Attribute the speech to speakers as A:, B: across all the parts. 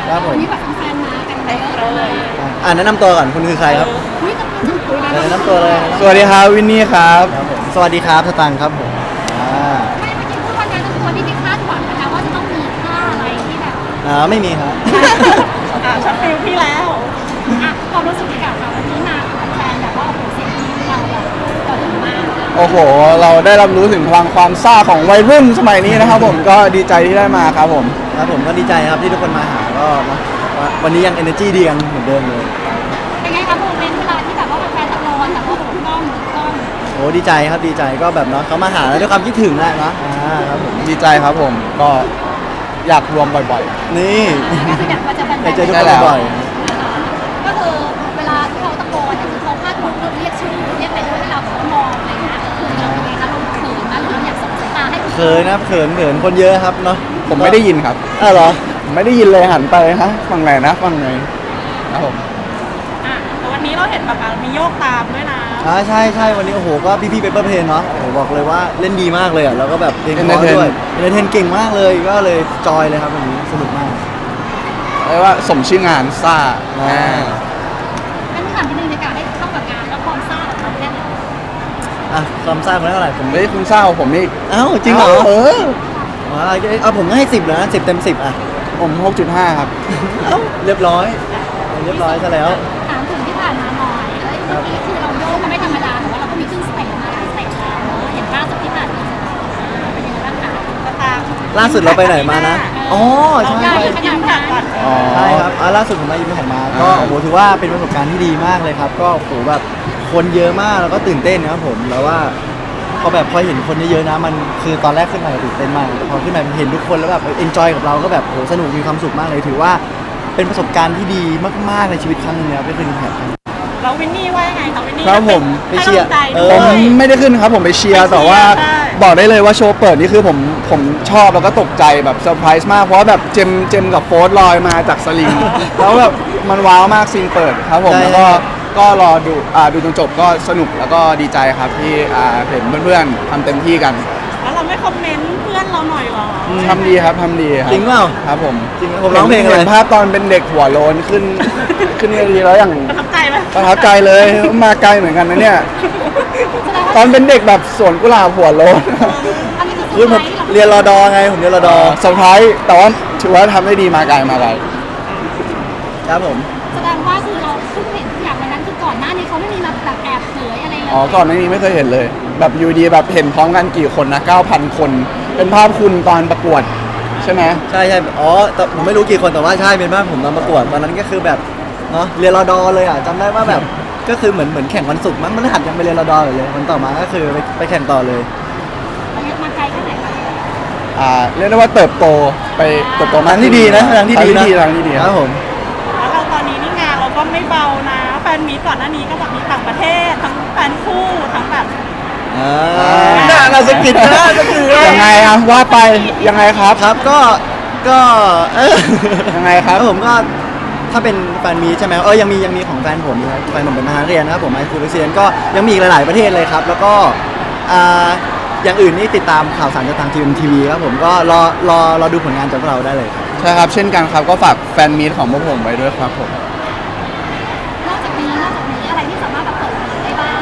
A: ครับผม
B: วันนี้แบบแฟนๆมากันเยอะเลย
A: แนะนำตัวก่อนคุณคือใครครับ
B: อุ้ยจะเป็นชื่อคุณ
A: แนะนำตัวเลย
C: สวัสดีครับวินนี่ครับ
A: ครับผมสวัสดีครับสตังค์ครับผม
B: ไม่เมื่อกี้พูดว่าการตัวที่ไม่คาดหวังนะคะว่าจะต้องมีท่าอะไรที่แบบ
A: ไม่มีครับ
B: ช็อตฟิลพี่แล้วความรู้สึกที่กับเราวันนี้มากับแฟนแบบว่าโอ้โหเสียงที่เราแบบต่อถึงมาก
C: โอ้โห เราได้รับรู้ถึงพลังความซ่าของวัยรุ่นสมัยนี้นะครับผมก็ดีใจที่ได้มาครับผม
A: ครับผมก็ดีใจครับที่ทุกคนมาหาก็นะวันนี้ยัง energy ดีกันเหมือนเดิมเลย
B: เป็นไงคะโมเมนต์เวลาที่แบบว่าแฟนตะโกนแบบว่าถูกต้อง
A: โอ้ดีใจครับดีใจก็แบบเนาะเขามาหาแล้วด้วยความคิดถึงแหละเนาะครับผม
C: ดีใจครับผมก็อยากรวมบ่อย
A: นี่
B: ก็คืออยากมาเจอแฟน
A: ไปเจอทุก
C: ได้
A: คน
C: แล้ว
A: บ่อย
B: ก็คือเวลาที่เขาตะโกนเนี่ยคือเขาคาดหวังเรียกชื่อเรียกไปด้วยให้เรามองอะไรเงี้ยคือเราเป็นไงคะเราเขินนะหรืออยากส่งสายตาให้
A: เขินนะเขินคนเยอะครับเนาะ
C: ๆ ผมไม่ได้ยินครับ
A: เหรอ
C: ผมไม่ได้ยินเลยหันไปฮะฟังไหนนะฟังไหนครับผม
D: แต่วันนี้เราเห็นแบบมีโยกตามด้วยนะ
A: ใช่วันนี้โอ้โหก็พี่เปเปอร์เพลนเนาะโอ้โหบอกเลยว่าเล่นดีมากเลยอ่ะแล้วก็แบบเพลงเพราะด้วยเอนเตอร์เทนเก่งมากเลยก็เลยจอยเลยครับวันนี้สนุกมาก
C: เรียกว่าสมชื่องานซ่า
B: งั้นถามนิดนึงในการให้เข้ากับงานแล้วความซ่าของเราแค่ไหน
A: ความซ่าคนเท่าไหร่ผม
C: ไม่ได้คุณซ่าของผมนี่
A: จริงเหรอ
C: เออ
A: ผมให้10เลยนะ10 เต็ม 10
C: ผม 6.5 ครับ
A: เรียบร้อยซะแล้ว
B: ถามถึงที่ผ่านมาหน่อยเมื่อกี้คือเราโยกมันไม่ธรรมดาแต่ว่าเราก็มีขึ้นสเต็ปมาหลายสเต็ปแล้วอย่างล่าสุดที่ผ่านมาเป็นยังไงบ้างคะ
D: ตาม
A: ล่าสุดเราไปไหนมานะอ๋อใช่
B: ใหญ่ขนาดนั้น
C: อ๋อ
A: ใช่ครับล่าสุดผมมายิมแผ่นมาก็โอ้โหถือว่าเป็นประสบการณ์ที่ดีมากเลยครับก็โอ้โหแบบคนเยอะมากแล้วก็ตื่นเต้นนะครับผมแล้วว่าพอเห็นคนเยอะๆนะมันคือตอนแรกขึ้นมาตื่นเต้นมากแต่พอขึ้นมาเห็นทุกคนแล้วแบบเอนจอยกับเราก็แบบโอ้สนุกมีความสุขมากเลยถือว่าเป็นประสบการณ์ที่ดีมากๆในชีวิตครั้งหนึงนะครับได้ขึ้นยิมแผ่น
D: เราวินนี่ว่ายังไงคะวินนี่
C: ครับผม
A: ไปเชียร์
C: ผมไม่ได้ขึ้นครับผมไปเชียร์แต่ว่าบอกได้เลยว่าโชว์เปิดนี่คือผมชอบแล้วก็ตกใจแบบเซอร์ไพรส์มากเพราะว่าแบบเจมกับโฟร์ลอยมาจากสลิง แล้วแบบมันว้าวมากซีนเปิดครับผม
A: ใช่
C: แล้วก็รอดูจนจบก็สนุกแล้วก็ดีใจครับที่เห็นเพื่อนๆทำเต็มที่กัน
D: แล้วเราไม่คอมเมนต์เพื่อนเราหน่อยหรอ
C: ทำดีครับทำดีครับ
A: จริงเปล่า
C: ครับผม
A: จริงผมร้องเพลงอะไร
C: เห็นภาพตอนเป็นเด็กหัวโลนขึ้นเวทีแล้วอย่าง
D: ประทับใจไหม
C: ประทับใจเลยมาไกลเหมือนกันนะเนี่ยตอนเป็นเด็กแบบสวนกุหลาบหัวโลน
B: อันนี้คือ
A: คือผมเรียนรอดอไงผมเรียนรอดอ
C: เซอร์ไพรส์แต่ว่าถือว่าทำได้ดีมาไกล
A: ครับผม
B: แสดงว่าคือเราเพิ่งเห็นทุกอย่างในนั้นคือก่อนหน้านี้เขาไม่มีมาแบบแอบเผยอะไรเลย
C: อ๋อก่อนหน้านี้ไม่เคยเห็นเลย แบบอยูดีแบบเห็นพร้อมกันกี่คนนะ 9,000 คน เป็นภาพคุณตอนประกวดใช่ไหม
A: ใช่อ๋อแต่ผมไม่รู้กี่คนแต่ว่าใช่เป็นบ้านผมตอนประกวดตอนนั้นก็คือแบบเนาะเรียนรอดอเลยอ่ะจำได้ว่าแบบก็คือเหมือนแข่งวันศุกร์มั้งมันหัดยังไปเรียนรอดออยู่เลยวันต่อมาก็คือไปแข่งต่อเลย
B: มาไกลแค่ไหนคะ
C: เรียกได้ว่าเติบโตมา
A: ทางที่ดีนะทางที่ดีนะ
C: ทางที่ดี
A: ครับผม
D: แล้วเราตอนนี้นี่งานเราก็ไม่เบานะแฟนมีก่อนหน้านี้ก็แบบมีต่างประเทศทั้งแฟนคู่ทั้งแบบ
A: น่าสกิดนะสกิด
C: ยังไงอะว่าไปยังไงครับ
A: ครับก็
C: ยังไงครับ
A: ผมก็ถ้าเป็นแฟนมีใช่ไหมยังมีของแฟนผมนะครับแฟนผมเป็นมหาเรียนนะครับผมไอคูเปเซียนก็ยังมีอีกหลายๆประเทศเลยครับแล้วก็อย่างอื่นนี่ติดตามข่าวสารจากทางทีวีครับผมก็รอดูผลงานจากพวกเราได้เลยครับ
C: ใช่ครับเช่นกันครับก็ฝากแฟนมีตของพวกผมไว้ด้วยครับผม
B: นอกจากนี้อะไรที่สามารถแบบเปิดเผยได้บ้าง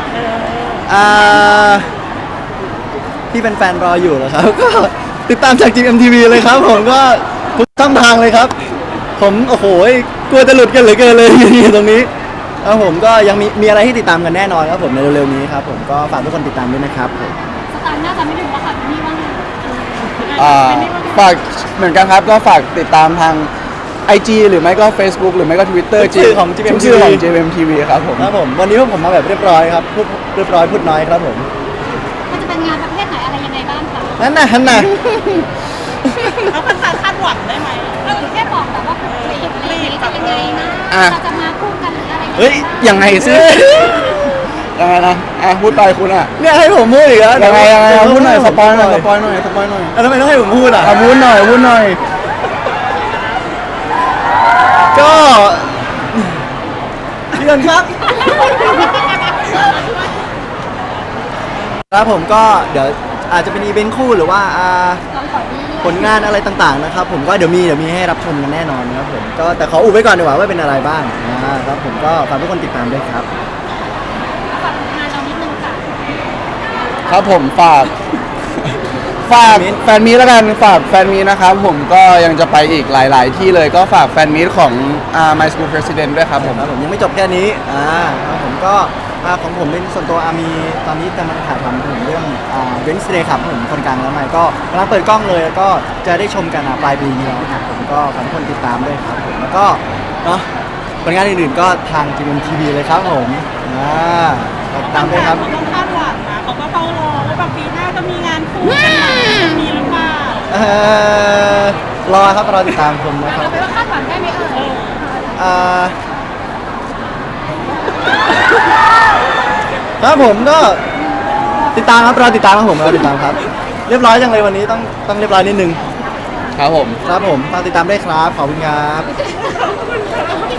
A: ที่เป็นแฟนรออยู่เหรอครับ ก็ติดตามจาก GMTV เลยครับผมก็ทุกช่องทางเลยครับ ผมโอ้โหกลัวจะหลุดกันเหลือเกินเลย ตรงนี้ครับผมก็ยังมีอะไรให้ติดตามกันแน่นอนครับผมในเร็วๆนี้ครับผมก็ฝากทุกคนติดตามด้วยนะครับผม
B: สตางค์น่าจะไม่ดูแล้วค่ะนี่ว่าไง
C: ฝากเหมือนกันครับก็ฝากติดตามทาง IG หรือไม่ก็ Facebook หรือไม่ก็ Twitter
A: ชื่อของ
C: ทุกชื่อของ JMTV ครับผม
A: ครับผมวันนี้พวกผมมาแบบเรียบร้อยครับพูดเรียบร้อยพูดน้อยครับผม
B: มันจะเป็นงานประเภทไหนอะไรยังไงบ้างคะ
A: นั่นน่ะ
D: แล้วแฟนๆคาดหวังได้ไหม
B: แค่บอกแบบว่าคลิปอะไรอย่างเงี้ยจะยังไงนะเราจะมาคู่กันหรืออะไร
C: เฮ้ยยังไงซิยังไงนะพูดไปคุณอ่ะ
A: เนี่ยให้ผมพูดอีกแล้ว
C: ยังไงพูดหน่อยสปอยหน่อย
A: แล้วทำไมต้องให้ผมพูดอ่ะ
C: พูดหน่อย
A: ก็พี่นนท์ครับ ครับผมก็เดี๋ยวอาจจะเป็นอีเวนต์คู่หรือว่า
B: ลองขอดี
A: ผลงานอะไรต่างๆนะครับผมก็เดี๋ยวมีให้รับชมกันแน่นอนนะครับผมก็แต่ขออุบไว้ก่อนดีกว่าว่าเป็นอะไรบ้างครับผมก็ฝากทุกคนติดตามด้วยครับ
B: ฝากงานเรานิดนึงค่ะ
C: ครับผมฝากแฟนมีตแล้วกันฝากแฟนมีตนะครับผมก็ยังจะไปอีกหลาย ๆ ที่เลยก็ฝากแฟนมีตของMy School President ด้วยครับผม
A: ครับผมยังไม่จบแค่นี้ครับผมก็ของผมเป็นส่วนตัวมีตอนนี้กำลังถ่ายทำถึงเรื่องเวนส์เดย์ครับผมคนกลางแล้วใหม่ก็กำลังเปิดกล้องเลยแล้วก็จะได้ชมกันปลายปีนี้แล้วครับผมก็ฝากทุกคนติดตามด้วยครับผมแล้วก็เนาะผลงานอื่นๆก็ทางจีเอ็มทีวีเลยครับผมติดตามด้วยครับ
D: เขาก็คาดหวังนะเขาก็เฝ้ารอว่าแบบปีหน้าจะมีงานคู่กันไหมจะมีหรือเปล่าร
A: อครับรอติดตามชมนะครั
B: เรา
A: บ
B: ไปว่าคาดหวังได้ไหม
A: ครับผมก็ติดตามครับรอติดตามครับผมรอติดตามครับ เรียบร้อยจังเลยวันนี้ต้องเรียบร้อยนิดนึง
C: ครับผม
A: ครับผมฝากติดตามด้วยครับขอบคุณครับ
B: เ